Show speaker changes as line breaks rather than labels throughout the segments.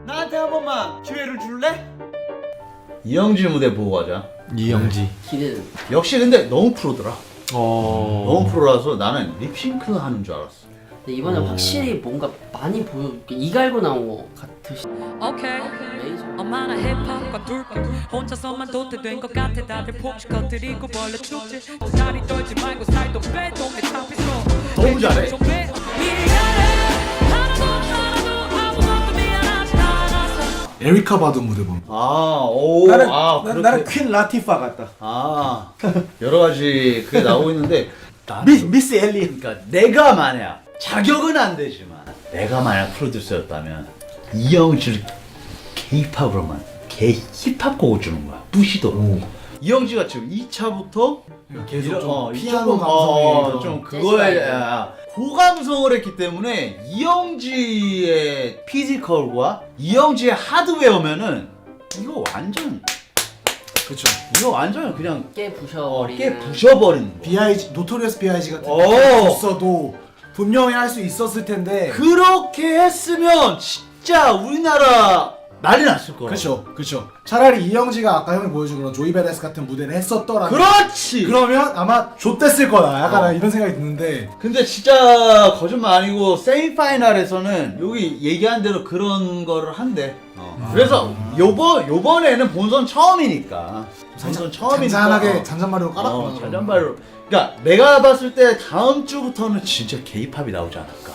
나한테 한 번만 기회를 줄래?
이영지 무대 보고 가자.
이영지.
기대는.
역시 근데 너무 프로더라.
너무
너무 프로라서 나는 립싱크 하는 줄 알았어.
근데 이번에 확실히 뭔가 많이 보여. 이 갈고 나온 거 같으시.
오케이
메이저.
엄마나 힙합과 둘까 혼자서만 도태된 것 같아 다들 폭식 터뜨리고 벌레 축제 다리 떨지 말고 살도 빼 동네 탑에서
너무 잘해.
미안해 하나도 아무것도 미안하지 않았어.
에리카 바드 무대 봐.
나는 퀸 라티파 같다.
여러 가지 그게 나오고 있는데
미스 엘리.
그러니까 내가 만약 자격은 안 되지만 내가 만약 프로듀서였다면 이영지를 K-팝으로만 힙합 곡을 주는 거야. 부시도록. 이영지가 지금 2차부터
계속 피아노 감성이
좀 그거에 고감성을 했기 때문에 이영지의 피지컬과 이영지의 하드웨어면은 이거 완전
그쵸.
이거 완전 그냥
깨 부셔버리는.
깨 부셔버리는 거.
B.I.G. 노토리어스 B.I.G. 같은
오.
거 줬어도 분명히 할 수 있었을 텐데.
그렇게 했으면 진짜 우리나라 난리 났을 거야.
그쵸. 차라리 이영지가 아까 형이 보여준 그런 조이 베레스 같은 무대를 했었더라면.
그렇지.
그러면 아마 좆됐을 거다. 약간 이런 생각이 드는데.
근데 진짜 거짓말 아니고 세미파이널에서는 여기 얘기한 대로 그런 거를 한대. 그래서 요번에는 본선 처음이니까. 본선 처음이니까.
잔잔하게 잔잔바리로 깔았구나.
잔잔발로. 그러니까 내가 봤을 때 다음 주부터는 진짜 K-팝이 나오지 않을까.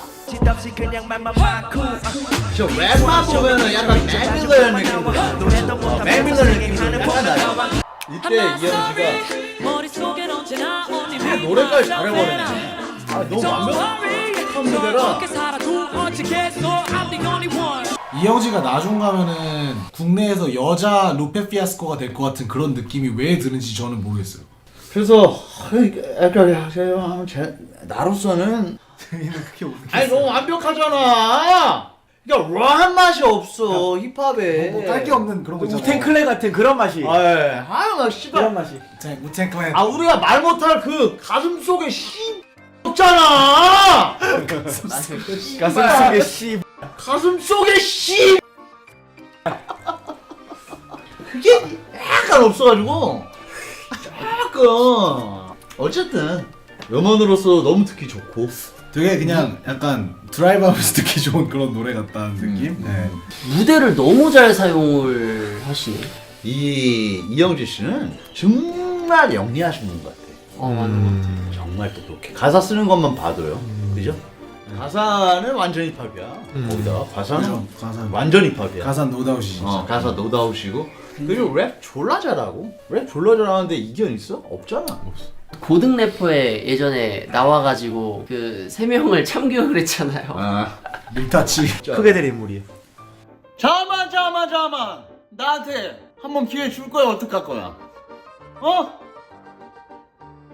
저 랩만 보면은 약간 맥밀런 느낌. 맥밀런 느낌이 약간 나요. 이때 이영지가
머릿속엔 언제나 언니
노래까지 잘해버리네. 너무 완벽한 무대라.
어떻게 살아도 어찌겠어 I'm the only one.
이영지가 나중 가면은 국내에서 여자 루페 피아스코가 될 것 같은 그런 느낌이 왜 드는지 저는 모르겠어요.
그래서 약간 나로서는 아니 너무 완벽하잖아. 그러니까 런 맛이 없어 힙합에.
뭐 깔 게 없는 그런 거 있잖아.
우텐클랜 같은 그런 맛이.
막 씨발.
그런 맛이.
우텐 클랜.
우리가 말 못할 그 가슴 속에 씨 없잖아.
가슴 속에 씨.
가슴 속에 씨. 그게 약간 없어가지고 약간 어쨌든 음원으로서 너무 듣기 좋고.
되게 그냥 약간 드라이브하면서 듣기 좋은 그런 노래 같다는 느낌? 네.
무대를 너무 잘 사용을 하시네.
이영지 씨는 정말 영리하신 분 같아.
맞아.
정말 똑똑해. 가사 쓰는 것만 봐도요. 그죠? 가사는 완전 힙합이야. 거기다가 가사는
그죠? 가사는.
완전 힙합이야.
가사 노다우시 진짜.
가사 노다우시고 그리고 랩 졸라 잘하고 랩 졸라 잘하는데 이견 있어? 없잖아. 없어.
고등 래퍼에 예전에 나와가지고 그 3명을 참교육을 했잖아요.
밀타치.
크게 될 인물이에요.
잠만 나한테 한 번 기회 줄 거야 어떡할 거야?